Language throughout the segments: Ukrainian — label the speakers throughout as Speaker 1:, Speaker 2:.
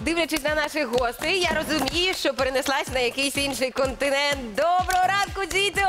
Speaker 1: дивлячись на наших гостей, я розумію, що перенеслась на якийсь інший континент. Доброго ранку, діду!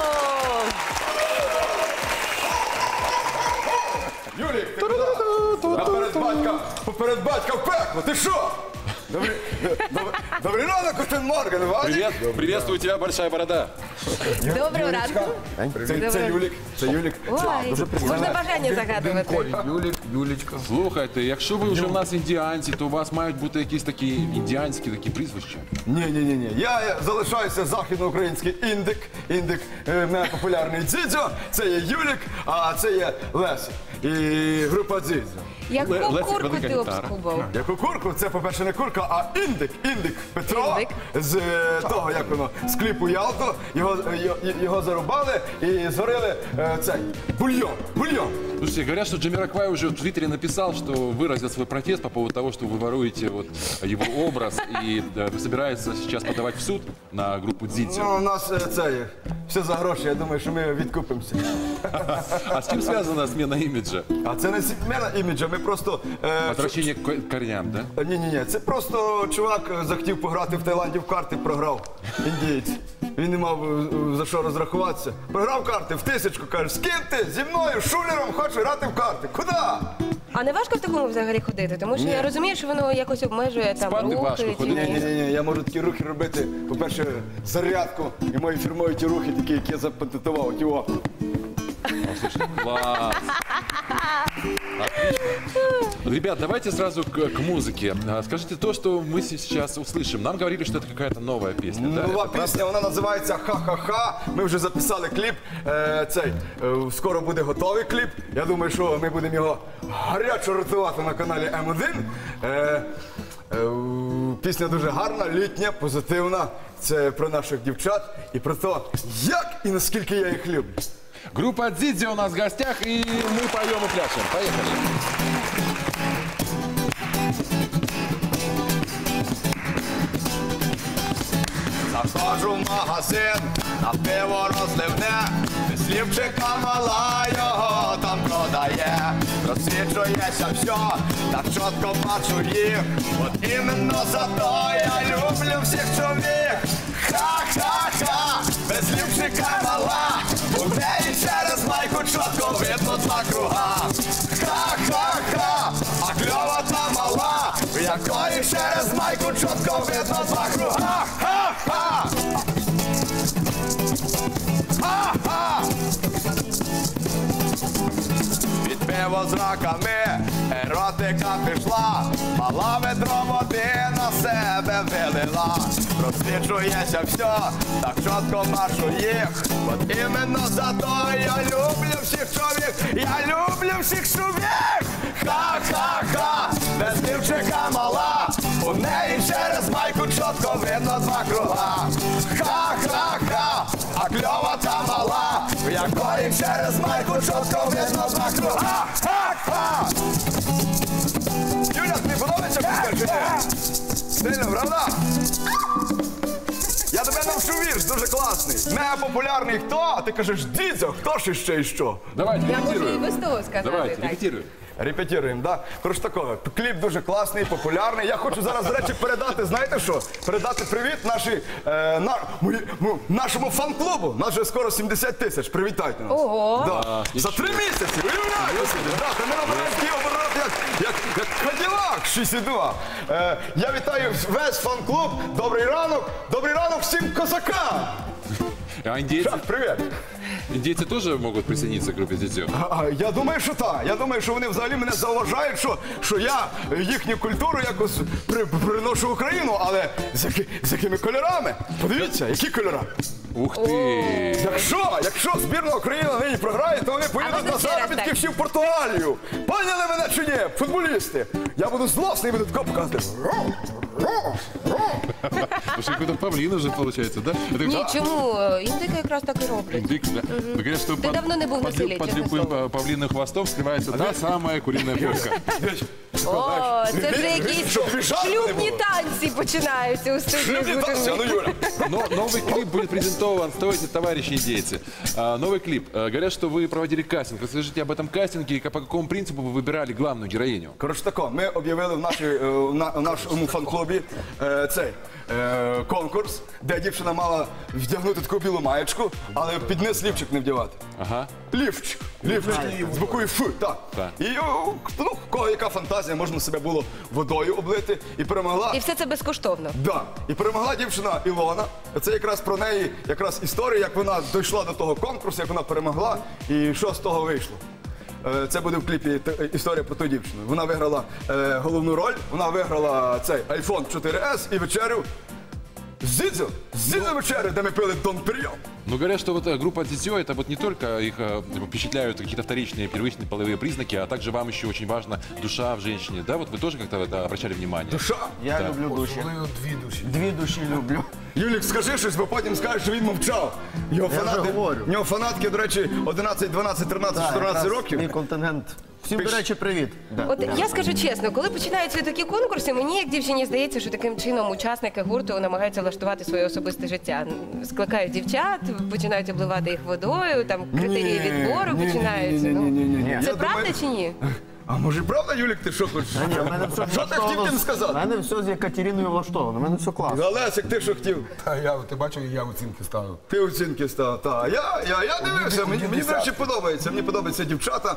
Speaker 2: Юлік, ти куди? Поперед батька в пекло, ти що? Добрий ранок, Костин Морган, Вадик.
Speaker 3: Приветствую тебя, большая борода.
Speaker 1: Доброго ранку.
Speaker 2: Це Юлік.
Speaker 1: Ой, можна бажання загадувати.
Speaker 2: Юлічка.
Speaker 3: Слухайте, якщо ви вже в нас індіанці, то у вас мають бути якісь такі індіанські такі прізвища.
Speaker 2: Ні. Я залишаюся західноукраїнський індик. Індик мене популярний Дзідзьо. Це є Юлік, а це є Лесик. І група Дзідзьо.
Speaker 1: Яку
Speaker 3: Лесик,
Speaker 1: курку
Speaker 3: велика
Speaker 1: ти
Speaker 3: гітара.
Speaker 1: обскубав?
Speaker 2: Яку курку? Це, по-перше, не курка, а індик. Індик Петро з того, як воно, з кліпу Ялто. Його зарубали і зварили цей бульйон.
Speaker 3: Слушайте, говорят, что Джамироквай уже в Твиттере написал, что выразил свой протест по поводу того, что вы воруете вот его образ и собирается сейчас подавать в суд на группу Дзидзю.
Speaker 2: Ну, у нас це все за гроші, я думаю, що ми відкупимося.
Speaker 3: А с чем связана смена имиджа?
Speaker 2: А це не зміна іміджа, ми просто...
Speaker 3: Возвращение к корням, да?
Speaker 2: Ні, це просто чувак захотів пограти в Таїланді в карти, програв, індієць. Він не мав за що розрахуватися. Програв карти в 1000, каже, з ким ти? Зі мною, шулером, хочу грати в карти. Куди?
Speaker 1: А не важко в такому взагалі ходити? Тому що я розумію, що воно якось обмежує там
Speaker 3: Спати важко
Speaker 1: рухи.
Speaker 3: ходити.
Speaker 2: Ні, я можу такі рухи робити. По-перше, зарядку і мої фірмові ті рухи, такі, які я запатентував. Його.
Speaker 3: Класс! Отлично. Ребят, давайте сразу к музыке. Скажите то, что мы сейчас услышим. Нам говорили, что это какая-то новая песня. Да?
Speaker 2: Нова пісня, вона називається «Ха-ха-ха». Ми вже записали кліп. Скоро буде готовий кліп. Я думаю, що ми будемо його гарячо рятувати на каналі М1. Пісня дуже гарна, літня, позитивна. Це про наших дівчат і про те, як і наскільки я їх люблю.
Speaker 3: Группа Дзидзи у нас в гостях, и мы поем и пляшем. Поехали.
Speaker 2: Заходжу в магазин, на пиво розливне, слівчика мала його там продає. Розсвічується все, так чітко бачу їх, от іменно за то я люблю всіх чоловік. Ха-ха-ха, без слівчика мала, у неї через майку чітко видно два круга. Ха-ха-ха, а кльова та мала, в якої через майку чітко видно два круга. Ха-ха! Ха-ха! Під пиво з раками еротика пішла, мала ведро води на себе вилила. Розсвічується все, так чітко бачу їх, от іменно за то я люблю всіх чоловік, я люблю всіх чоловік. Ха-ха-ха, без дівчика мала, у неї через майку чітко видно два круга. Ха-ха-ха, а кльова та мала, в якої через майку чітко видно два круга. Ха-ха! Юля, тобі подобається пісня чи ні? Сильно, правда? Я тебе навчу вірш, дуже класний. Мега популярний хто? А ти кажеш, Дзідзьо, хто ж іще і що?
Speaker 3: Давайте,
Speaker 1: Я можу і
Speaker 3: репетируем.
Speaker 1: без того сказати.
Speaker 3: Давайте,
Speaker 1: так.
Speaker 3: репетируем.
Speaker 2: Репетируємо, так? Коротше такого, кліп дуже класний, популярний. Я хочу зараз, до речі, передати, знаєте що? Передати привіт нашому фан-клубу. Нас вже скоро 70 тисяч. Привітайте нас.
Speaker 1: Ого!
Speaker 2: Да. За 3 місяці, уявляєте собі? Да, та ми набираємо такий оборот, як Каділак 6,2. Я вітаю весь фан-клуб. Добрий ранок всім козакам.
Speaker 3: А индейцы,
Speaker 2: Шах, привіт.
Speaker 3: индейцы тоже могут присоединиться к группе Дзидзю?
Speaker 2: Я думаю, що так. Я думаю, що вони взагалі мене зауважають, що я їхню культуру якось приношу в Україну, але з якими кольорами? Подивіться, які кольори.
Speaker 3: Ух ты!
Speaker 2: Якщо збірна України нині програє, то вони поїдуть на заробітки всі в Португалію. Поняли мене чи ні, футболісти? Я буду злосний і буду тако показувати.
Speaker 3: Слушай, какой-то павлин уже получается, да? Это
Speaker 1: Ні,
Speaker 3: как-
Speaker 1: чому? Індики якраз так і роблять.
Speaker 3: Индик, да? Ну, говорят, что
Speaker 1: Ты давно не был на селе,
Speaker 3: под
Speaker 1: честное
Speaker 3: любым
Speaker 1: слово.
Speaker 3: павлиным хвостом скрывается та самая куриная попка.
Speaker 1: О, це вже якісь
Speaker 2: Щоб віжати не
Speaker 1: шлюбні
Speaker 2: було.
Speaker 1: танці починаються у студії.
Speaker 2: Імітація, ну Юля.
Speaker 3: Но новый клип будет презентован. Стойте, товарищи индейцы. Новый клип. Говорят, что вы проводили кастинг. Расскажите об этом кастинге и по какому принципу вы выбирали главную героиню.
Speaker 2: Коротше тако, ми об'явили в нашому фан-клубі конкурс, де дівчина мала вдягнути таку білу маєчку, але під низ лівчик не вдягати.
Speaker 3: Ага.
Speaker 2: Лівчик. З буквою Ф, так.
Speaker 3: Так.
Speaker 2: І ну, в кого яка фантазія, можна себе було водою облити. І перемогла.
Speaker 1: І все це безкоштовно.
Speaker 2: Да. І перемогла дівчина Ілона. Це якраз про неї історія, як вона дійшла до того конкурсу, як вона перемогла і що з того вийшло. Це буде в кліпі історія про ту дівчину. Вона виграла головну роль, вона виграла цей iPhone 4S і вечерю з Зідзо вечерю, де ми пили Дон Перьйон.
Speaker 3: Ну, говорят, что вот группа Дзидзё, это вот не только их впечатляют какие-то вторичные, первичные половые признаки, а также вам еще очень важна душа в женщине. Да, вот вы тоже как-то это обращали внимание?
Speaker 2: Душа.
Speaker 4: Я люблю душі. Дві душі люблю.
Speaker 2: Юлік, скажи щось, бо потім скажеш, що він мовчав. Його
Speaker 4: Я вже говорю.
Speaker 2: в нього фанатки, до речі, 11, 12, 13, 14 років.
Speaker 4: Мій контингент. Всім, до речі, привіт. Да.
Speaker 1: От я скажу чесно, коли починаються такі конкурси, мені як дівчині здається, що таким чином учасники гурту намагаються влаштувати своє особисте життя. Скликають дівчат, починають обливати їх водою, там критерії відбору починаються.
Speaker 2: Ні.
Speaker 1: Це
Speaker 2: Я
Speaker 1: правда
Speaker 2: думаю-
Speaker 1: чи ні?
Speaker 2: А може правда, Юлік, ти що хочеш?
Speaker 4: Ні, в мене все
Speaker 2: Що ти хотів тим
Speaker 4: У
Speaker 2: сказати?
Speaker 4: мене все з Екатериною влаштовано, в мене все класно.
Speaker 2: Олесик, ти що хотів?
Speaker 5: Ти бачив, я оцінки ставив.
Speaker 2: Ти оцінки став. Так. Я дивився, мені до речі, подобається. Мені подобаються дівчата,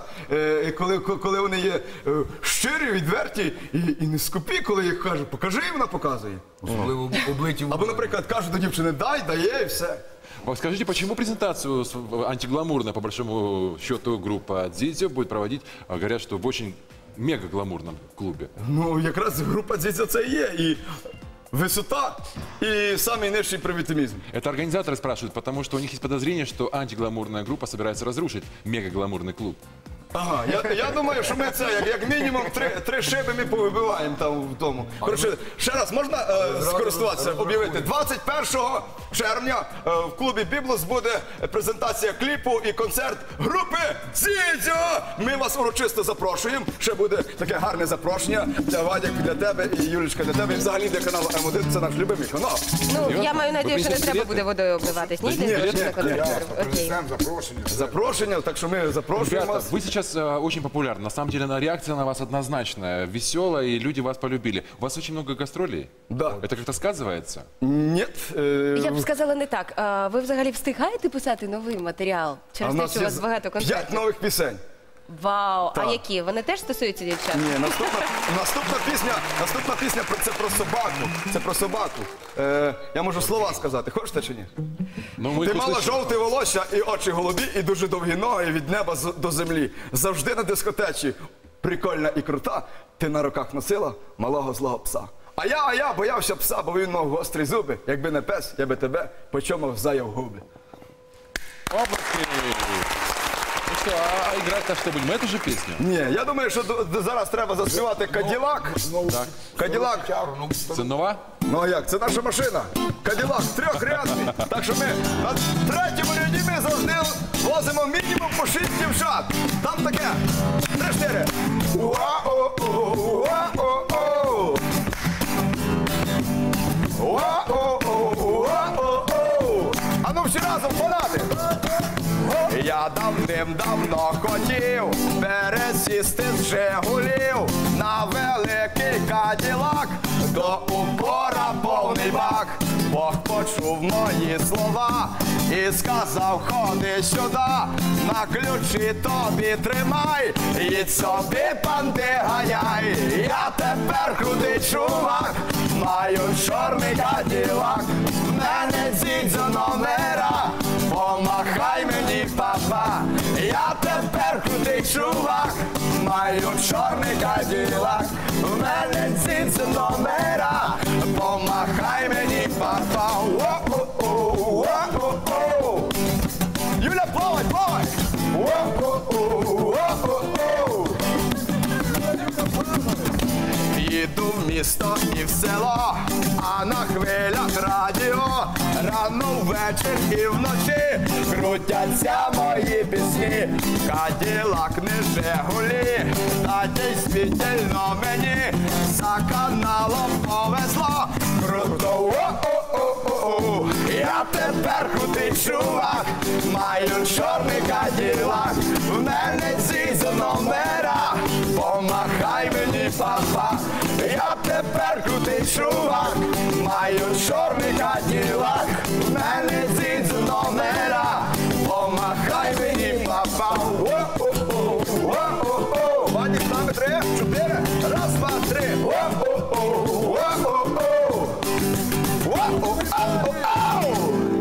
Speaker 2: коли вони є щирі, відверті і не скупі, коли їх кажуть, покажи, і вона показує.
Speaker 5: Особливо облиті.
Speaker 2: Або, наприклад, кажуть до дівчини, дає і все.
Speaker 3: Скажите, почему презентацию антигламурная, по большому счету, группа Дзидзё будет проводить, говорят, что в очень мега-гламурном клубе?
Speaker 2: Ну, якраз група «Дзідзьо» це і є. І висота, і самий нижчий привітимізм.
Speaker 3: Это организаторы спрашивают, потому что у них есть подозрение, что антигламурная группа собирается разрушить мега-гламурный клуб.
Speaker 2: Ага, я думаю, що ми це, як мінімум, три шиби ми повибиваємо там в тому. Коротше, ще раз, можна скористуватися, об'явити? 21 червня в клубі «Біблус» буде презентація кліпу і концерт групи «Дзідзьо». Ми вас урочисто запрошуємо. Ще буде таке гарне запрошення для Вадяк, для тебе і Юлічка, для тебе. І взагалі для каналу М1, це наш любимий канал.
Speaker 1: Ну, я маю надію, що не
Speaker 3: принесете
Speaker 1: треба
Speaker 3: білети?
Speaker 1: буде водою обливатись. Ні,
Speaker 2: Ні,
Speaker 1: десь
Speaker 2: ні,
Speaker 1: на концерт. Окей.
Speaker 5: Принесемо запрошення.
Speaker 2: Запрошення, так що ми запрошуємо
Speaker 3: Ребята,
Speaker 2: вас.
Speaker 3: вы сейчас очень популярны. На самом деле, реакция на вас однозначная, веселая, и люди вас полюбили. У вас очень много гастролей.
Speaker 2: Да.
Speaker 3: Это как-то сказывается?
Speaker 2: Ні.
Speaker 1: Я б сказала не так. Ви взагалі встигаєте писати новий матеріал?
Speaker 2: А
Speaker 1: Через
Speaker 2: в
Speaker 1: те,
Speaker 2: нас
Speaker 1: що у
Speaker 2: є
Speaker 1: вас багато
Speaker 2: 5
Speaker 1: концертів?
Speaker 2: нових пісень.
Speaker 1: Вау! А
Speaker 2: Так.
Speaker 1: які? Вони теж стосуються дівчат?
Speaker 2: Ні, наступна пісня це про собаку. Це про собаку. Я можу слова сказати. Хочете чи ні?
Speaker 3: Ну, мы
Speaker 2: Ти
Speaker 3: их
Speaker 2: мала
Speaker 3: услышим.
Speaker 2: жовте волосся і очі голубі, і дуже довгі ноги від неба до землі. Завжди на дискотечі. Прикольна і крута. Ти на руках носила малого злого пса. А я боявся пса, бо він мав гострі зуби. Якби не пес, я би тебе почомав заяв губи.
Speaker 3: Обласки! Ну что, а играть-то что будем? Эту же песню?
Speaker 2: Ні, я думаю, що зараз треба заспівати «Каділак».
Speaker 3: Так.
Speaker 2: «Каділак».
Speaker 3: Це нова?
Speaker 2: Ну а як? Це наша машина. Каділак трьохрядний. Так що ми на третьому ряді ми завжди возимо мінімум по 6 дівчат. Там таке. 3-4. Уа-о-о, уа-о-о. Уа-о-о, уа-о-о. А ну всі разом фанати. Я давним-давно хотів пересісти з «Жигулів» на великий Каділак, до упора повний бак. Бог почув мої слова і сказав, ходи сюди, на ключі тобі тримай, і собі панди ганяй. Я тепер худий чувак, маю чорний Каділак, в мене Дзідзьо номера, помахай мені, папа, я тепер худий чувак, маю чорний Каділак, в мене Дзідзьо номера, помахай мені, папа. О-о-о, о-о-о. Юля, плавай, плавай. О-о-о, о-о-о. Їду в місто і в село, а на хвилях радіо рано ввечір і вночі крутяться мої пісні. Каділак не Жигулі, та дійсно мені за каналом повезло. Круто, о-о-о-о-о, я тепер крутий чувак, маю чорний каділак, в мене ці за номера, помахай мені, папа, я тепер крутий чувак, маю чорний каділак, в мене ці за номера, помахай мені, папа. О-о-о, о-о-о, Вадик, з нами 3, 4, раз, два, три, о-о-о, о-о-о, о-о-о.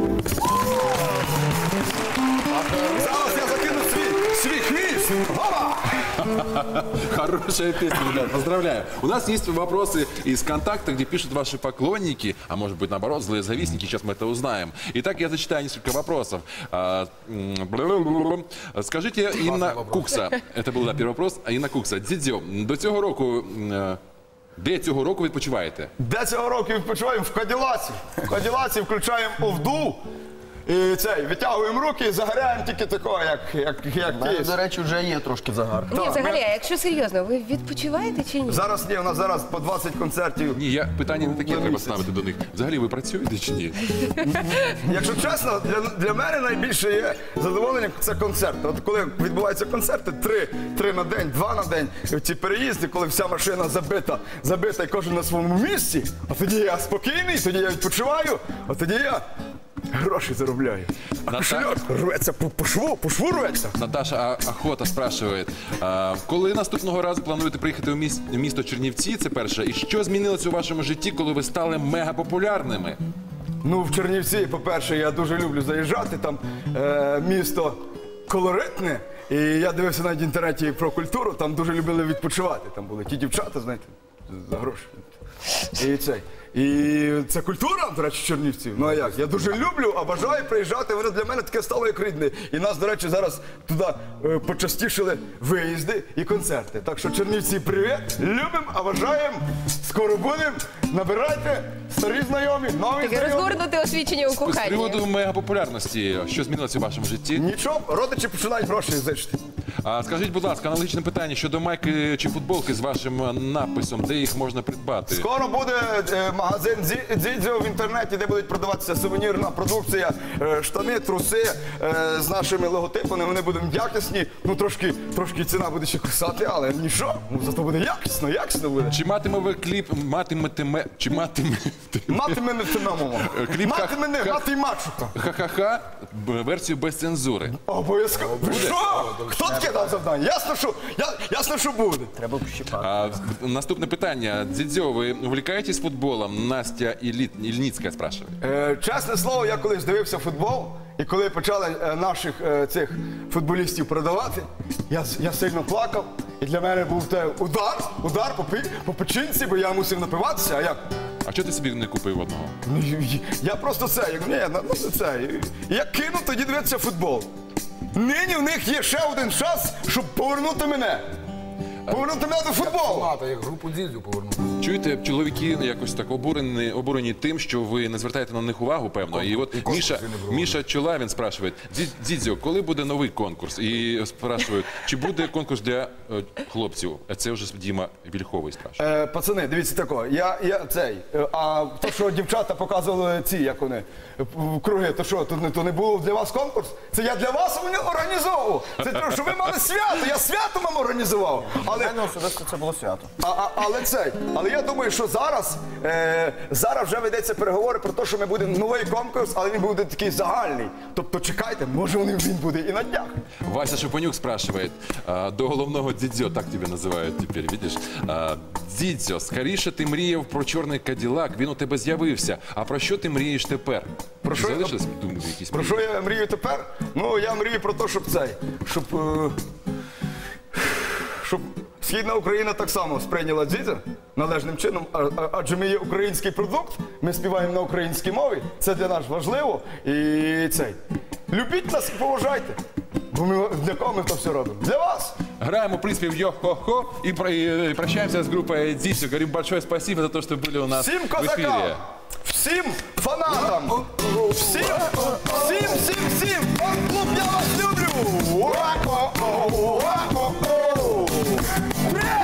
Speaker 2: Зараз я закину свій хвіст. Гола!
Speaker 3: Хорошая песня, ребят, поздравляю. У нас есть вопросы из контакта, где пишут ваши поклонники, а может быть наоборот, злые завистники, сейчас мы это узнаем. Итак, я зачитаю несколько вопросов. Скажите, Инна Кукса, это был первый вопрос, Інна Кукса, Дідзьо, до цього року, де цього року відпочиваєте?
Speaker 2: Де цього року відпочиваємо? В Каділаці. В Каділаці включаємо овду. І витягуємо руки і загоряємо тільки такого, як
Speaker 4: У мене,
Speaker 2: кіс.
Speaker 4: до речі, вже є трошки загар.
Speaker 1: Ні, взагалі, а якщо серйозно, ви відпочиваєте чи ні?
Speaker 2: Зараз ні, у нас зараз по 20 концертів.
Speaker 3: Ні, питання не таке треба
Speaker 2: місяць.
Speaker 3: ставити до них. Взагалі ви працюєте чи ні?
Speaker 2: Якщо чесно, для мене найбільше є задоволення – це концерти. От коли відбуваються концерти, 3 на день, 2 на день, ці переїзди, коли вся машина забита і кожен на своєму місці, а тоді я спокійний, тоді я відпочиваю, а тоді я гроші заробляю. А кошельок рветься по шву рветься.
Speaker 3: Наташа Охота спрашиває, коли наступного разу плануєте приїхати у місто Чернівці, це перше, і що змінилося у вашому житті, коли ви стали мегапопулярними?
Speaker 2: Ну, в Чернівці, по-перше, я дуже люблю заїжджати, там місто колоритне, і я дивився навіть в інтернеті про культуру, там дуже любили відпочивати, там були ті дівчата, знаєте, за гроші. І це культура, до речі, Чернівців. Ну а як? Я дуже люблю, а бажаю приїжджати, воно для мене таке стало як рідне. І нас, до речі, зараз туди почастішили виїзди і концерти. Так що, Чернівці, привіт, любимо, а бажаємо, скоро будемо, набирайте, старі знайомі, нові
Speaker 1: Таке
Speaker 2: знайомі.
Speaker 1: розгорнуте освічення у
Speaker 3: З
Speaker 1: коханні.
Speaker 3: приводу мегапопулярності, що змінилося у вашому житті?
Speaker 2: Нічого, родичі починають гроші зичити.
Speaker 3: Скажіть, будь ласка, аналогічне питання щодо майки чи футболки з вашим написом, де їх можна придбати?
Speaker 2: Скоро буде магазин Дзідзьо в інтернеті, де будуть продаватися сувенірна продукція, штани, труси з нашими логотипами. Вони будуть якісні. Ну трошки ціна буде ще кусати, але нічого. Ну, зато буде якісно буде.
Speaker 3: Чи матиме ви кліп,
Speaker 2: Мати й мачука.
Speaker 3: ха-ха-ха, версію без цензури?
Speaker 2: Обов'язково. Ви що? Хто таке дав завдання? Ясно, що буде.
Speaker 4: Треба пощипати.
Speaker 3: Наступне питання. Дзідзьо, ви увлекаетесь футболом? Настя Ільницька спрашиває.
Speaker 2: Чесне слово, я колись дивився футбол, і коли почали наших цих футболістів продавати, я сильно плакав, і для мене був удар по печінці, бо я мусив напиватися, а як?
Speaker 3: А чого ти собі не купив одного?
Speaker 2: Ну, я просто я кину тоді дивитися футбол. Нині в них є ще один шанс, щоб повернути мене. Повернути мене до футболу.
Speaker 5: Мата, як групу Дзідзю повернути.
Speaker 3: Чуєте, чоловіки якось так обурені тим, що ви не звертаєте на них увагу, певно. І от Міша Чолавін спрашує, Дзідзьо, коли буде новий конкурс? І спрашують, чи буде конкурс для хлопців? Це вже Діма Вільховий спрашує.
Speaker 2: Пацани, дивіться тако, а то, що дівчата показували ці, як вони, круги, то що, то не було для вас конкурс? Це я для вас організовував. Це те, що ви мали свято, я свято вам організував.
Speaker 4: Для мене особисто це було свято.
Speaker 2: Але я думаю, що зараз вже ведеться переговори про те, що ми будемо новий конкурс, але він буде такий загальний. Тобто чекайте, може він буде і на днях.
Speaker 3: Вася Шепонюк спрашивает, до головного Дзідзьо, так тебе називають тепер, видиш? Дзідзьо, скоріше ти мріяв про чорний Каділак, він у тебе з'явився. А про що ти мрієш тепер?
Speaker 2: Про що?
Speaker 3: Залишились думки якісь?
Speaker 2: Про що я мрію тепер? Ну, я мрію про те, щоб Східна Україна так само сприйняла Дзідзьо належним чином, адже ми є український продукт, ми співаємо на українській мові, це для нас важливо. І любіть нас і поважайте. Бо для кого ми то все робимо? Для вас.
Speaker 3: Граем, в принципе, в йо-хо-хо и прощаемся с группой Дзисю. Говорим большое спасибо за то, что были у нас
Speaker 2: Всім
Speaker 3: в
Speaker 2: козакам,
Speaker 3: эфире.
Speaker 2: всім фанатам, всім, фан-клуб, я вас люблю! Привіт!